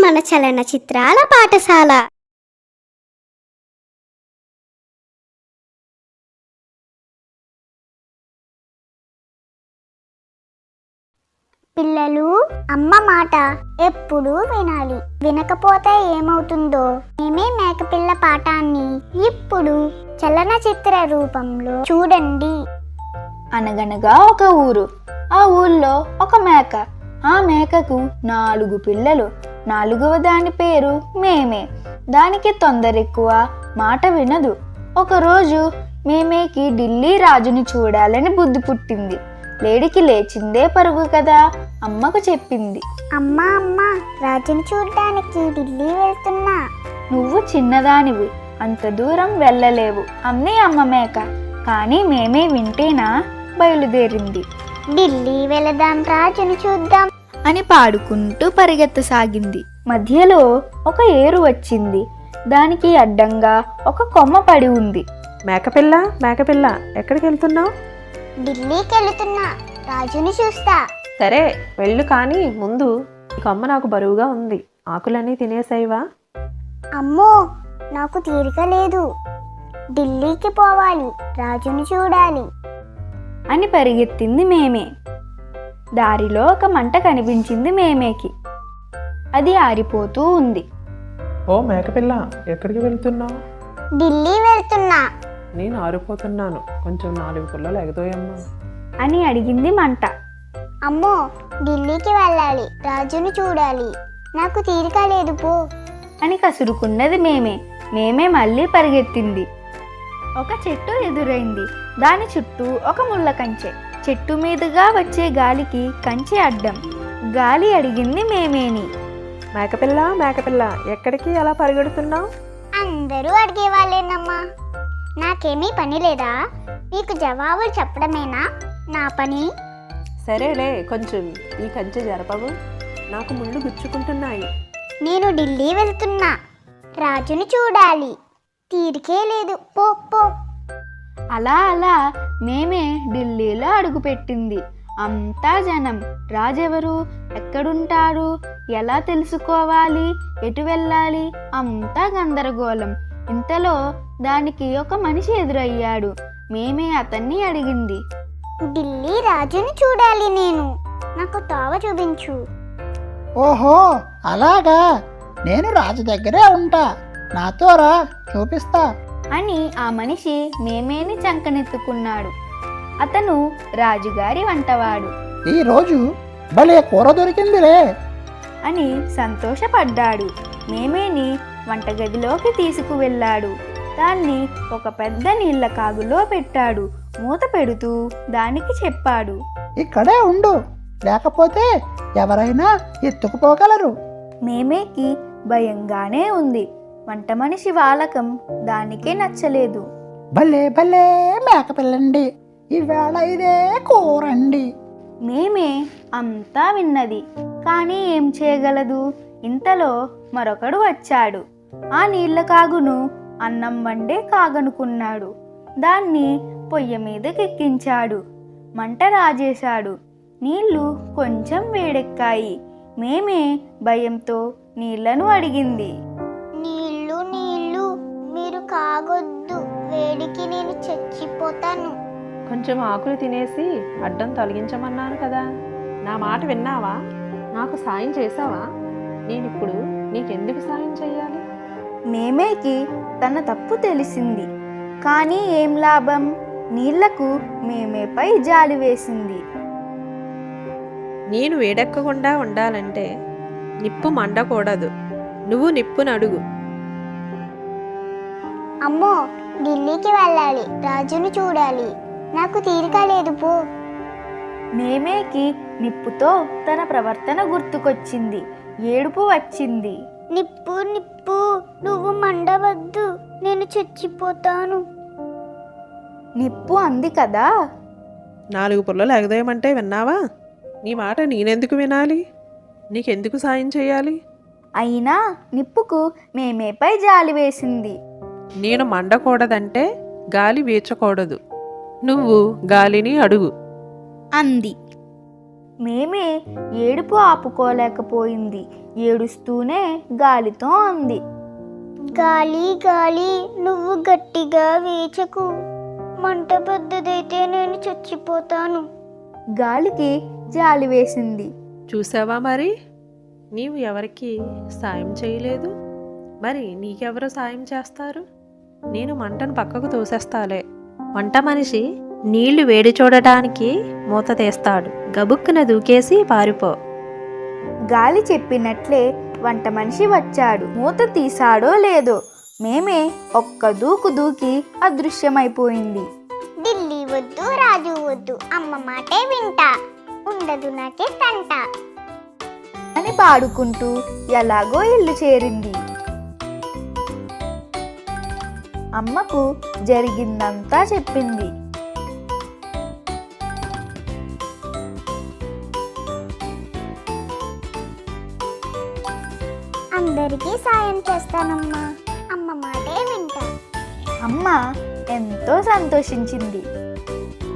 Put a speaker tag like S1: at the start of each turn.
S1: మన చలనచిత్రాల పాఠశాల. పిల్లలు, అమ్మ మాట ఎప్పుడు వినాలి. వినకపోతే ఏమవుతుందో మేమే మేకపిల్ల పాఠాన్ని ఇప్పుడు చలనచిత్ర రూపంలో చూడండి.
S2: అనగనగా ఒక ఊరు. ఆ ఊళ్ళో ఒక మేక. ఆ మేకకు 4 పిల్లలు. 4వ దాని పేరు మేమే. దానికి తొందర ఎక్కువ, మాట వినదు. ఒకరోజు మేమేకి ఢిల్లీ రాజుని చూడాలని బుద్ధి పుట్టింది. లేడికి లేచిందే పరుగు కదా, అమ్మకు చెప్పింది.
S1: అమ్మా అమ్మా, రాజుని చూడడానికి ఢిల్లీ వెళ్తున్నా.
S2: నువ్వు చిన్నదానివి, అంత దూరం వెళ్ళలేవు అంది అమ్మ మేక. కానీ మేమే వింటేనా బయలుదేరింది.
S1: ఢిల్లీ వెళదాం, రాజుని చూద్దాం
S2: అని పాడుకుంటూ పరిగెత్తసాగింది. మధ్యలో ఒక ఏరు వచ్చింది. దానికి అడ్డంగా ఒక కొమ్మ పడి ఉంది.
S3: మేకపిల్ల మేకపిల్ల, ఎక్కడికి వెళ్తున్నావు?
S1: ఢిల్లీకి వెళుతున్నా, రాజుని చూస్తా.
S3: సరే వెళ్ళు, కానీ ముందు ఈ కొమ్మ నాకు బరువుగా ఉంది. ఆకులన్నీ తినేసాయివా?
S1: అమ్మో, నాకు తీరిక లేదు. ఢిల్లీకి పోవాలి, రాజుని చూడాలి
S2: అని పరిగెత్తింది మేమే. దారిలో ఒక మంట కనిపించింది మేమేకి. అది ఆరిపోతూ ఉంది.
S3: ఓ మేకపిల్ల, ఎక్కడికి వెళ్తున్నావు?
S1: ఢిల్లీ వెళ్తున్నా.
S3: నేను ఆరిపోతున్నాను, కొంచెం 4 పుల్లలు ఎగదోయమ్మా
S2: అని అడిగింది మంట.
S1: అమ్మో, ఢిల్లీకి వెళ్ళాలి, రాజుని చూడాలి, నాకు తీరిక లేదు పో
S2: అని కసురుకున్నది మేమే. మేమే మళ్ళీ పరిగెత్తింది. ఒక చెట్టు ఎదురైంది. దాని చుట్టూ ఒక ముళ్ళ కంచె. చెట్టు మీదుగా వచ్చే గాలికి కంచె అడ్డం. గాలి అడిగింది మేమేని.
S3: మేకపిల్ల మేకపిల్ల, ఎక్కడికి అలా పరిగెడుతున్నావు?
S1: అందరూ అడిగేవాళ్ళేనమ్మా, నాకేమీ పని లేదా? మీకు జవాబులు చెప్పడమేనా నా పని?
S3: సరేలే, కొంచెం ఈ కంచె జరపవు, నాకు ముళ్ళు గుచ్చుకుంటున్నాయి.
S1: నేను ఢిల్లీ వెళ్తున్నా, రాజుని చూడాలి, తీరికే లేదు పో పో.
S2: అలా అలా మేమే ఢిల్లీలో అడుగుపెట్టింది. అంతా జనం. రాజెవరు, ఎక్కడుంటారు, ఎలా తెలుసుకోవాలి, ఎటు వెళ్ళాలి, అంతా గందరగోళం. ఇంతలో దానికి ఒక మనిషి ఎదురయ్యాడు. మేమే అతన్ని అడిగింది.
S1: ఢిల్లీ రాజుని చూడాలి నేను, నాకు తోవ చూపించు.
S4: ఓహో అలాగా, నేను రాజు దగ్గరే ఉంటా, నాతో రా, చూపిస్తా
S2: అని ఆ మనిషి మేమేని చంకనెత్తుకున్నాడు. అతను రాజుగారి వంటవాడు
S4: ఈరోజు భలే కూర దొరికిందిలే
S2: అని సంతోషపడ్డాడు. మేమేని వంటగదిలోకి తీసుకువెళ్ళాడు. దాన్ని ఒక పెద్ద నీళ్ల కాగులో పెట్టాడు. మూత పెడుతూ దానికి చెప్పాడు,
S4: ఇక్కడే ఉండు, లేకపోతే ఎవరైనా ఎత్తుకుపోగలరు.
S2: మేమేకి భయంగానే ఉంది. వంట మనిషి వాలకం దానికే నచ్చలేదు.
S4: భలే భలే మేకపిల్లండి, ఈవేళ ఇదే కూరండి.
S2: మేమే అంతా విన్నది, కానీ ఏం చేయగలదు. ఇంతలో మరొకడు వచ్చాడు. ఆ నీళ్ల కాగును అన్నం వండే కాగనుకున్నాడు. దాన్ని పొయ్యి మీదకెక్కించాడు. మంట రాజేశాడు. నీళ్లు కొంచెం వేడెక్కాయి. మేమే భయంతో నీళ్లను అడిగింది.
S1: నీళ్ళు నీళ్ళు, మీరు కాగొద్దు, వేడికి నేను చచ్చిపోతాను.
S3: కొంచెం ఆకులు తినేసి అడ్డం తొలగించమన్నాను కదా, నా మాట విన్నావా? నాకు సాయం చేసావా? నేనిప్పుడు నీకెందుకు సాయం చెయ్యాలి?
S2: మేమేకి తన తప్పు తెలిసింది. కానీ ఏం లాభం? నీళ్లకు మేమేపై జాలి వేసింది.
S3: నేను వేడెక్కకుండా ఉండాలంటే నిప్పు మండకూడదు. నువ్వు నిప్పును అడుగు.
S1: అమ్మో, ఢిల్లీకి వెళ్ళాలి, రాజుని చూడాలి, నాకు తీరిక లేదు పో.
S2: మేమేకి నిప్పుతో తన ప్రవర్తన గుర్తుకొచ్చింది. ఏడుపు వచ్చింది.
S1: నిప్పు నిప్పు, నువ్వు మండవద్దు, నేను చచ్చిపోతాను.
S2: నిప్పు అంది కదా.
S3: 4 పుల్లలు ఎగదేయమంటే విన్నావా? నీ మాట నేనెందుకు వినాలి? నీకెందుకు సాయం చేయాలి?
S2: అయినా నిప్పుకు మేమేపై జాలి వేసింది.
S3: నేను మండకూడదంటే గాలి వీచకూడదు. నువ్వు గాలిని అడుగు
S2: అంది. మేమే ఏడుపు ఆపుకోలేకపోయింది. ఏడుస్తూనే గాలితో అంది.
S1: గాలి గాలి నువ్వు గట్టిగా వేచకు, మంట పెద్దదైతే నేను చచ్చిపోతాను.
S2: గాలికి జాలి వేసింది.
S3: చూసావా మరి, నీవు ఎవరికి సాయం చేయలేదు, మరి నీకెవరు సాయం చేస్తారు? నేను మంటను పక్కకు తోసేస్తాలే. వంట మనిషి నీళ్లు వేడి చూడటానికి మూత తీస్తాడు, గబుక్కున దూకేసి పారిపో.
S2: గాలి చెప్పినట్లే వంట మనిషి వచ్చాడు. మూత తీసాడో లేదో మేమే ఒక్క దూకు దూకి అదృశ్యమైపోయింది.
S1: ఢిల్లీ వద్దు, రాజు వద్దు, అమ్మ మాటే వింటా, ఉండదు నాకే తంట
S2: అని పాడుకుంటూ ఎలాగో ఇల్లు చేరింది. అమ్మకు జరిగిందంతా చెప్పింది.
S1: అందరికీ సాయం చేస్తానమ్మా, అమ్మ మాటే వింటా.
S2: అమ్మ ఎంతో సంతోషించింది.